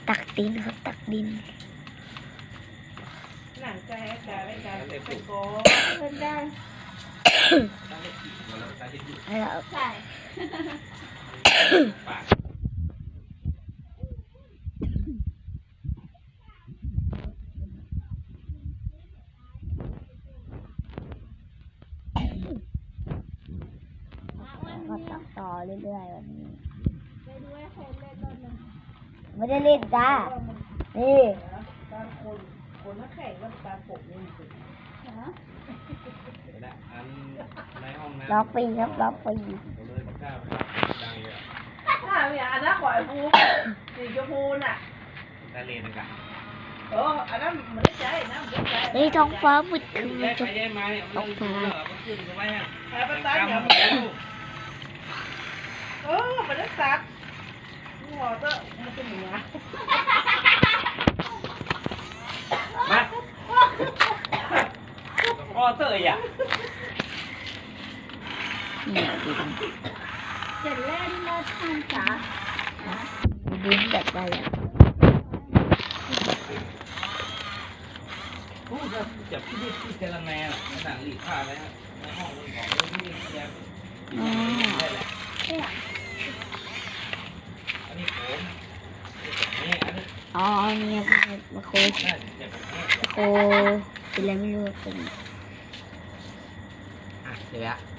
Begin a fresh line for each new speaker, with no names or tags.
ตักดินครับตักดิน
หนังใจไม่ใจเป็นโก้เป็นได้
แล้ว
ใช่
ก็ตักต่อเรื่อยๆวันนี้ไม่ได้เล่นจ้านี่
การคนนักแข่งก็การปกนี่สิ
ล็อกฟรีครับล็อกฟรี
อันนั้นขอยฟูสีชมพูน่ะ
ทะเลนะกัน
อันนั้นมันได้ใจนะมันได้ใจ
นี่ท้องฟ้ามืดครึ้มเลย
ใช้ไม้เอาฟ้าขึ้นไว้ฮะ
ใช้ประตานอย่างมันได้สักหัวเตอะมันเป็นหัว
มาพ่อเตยอ่ะ
จะเล่นเล่นทางจ๋า
ดินแบบไรอ่ะ
โอ้จะจับที่เจรแมนอ่ะหนังหลีกผ้าแล้วในห้องเลยของที่แยกได้แหละอันนี้ผมนี่อันนี้
อ๋อเนี่ยมาโคเป็นอะไรไม่รู้เป็น
เดี๋ยว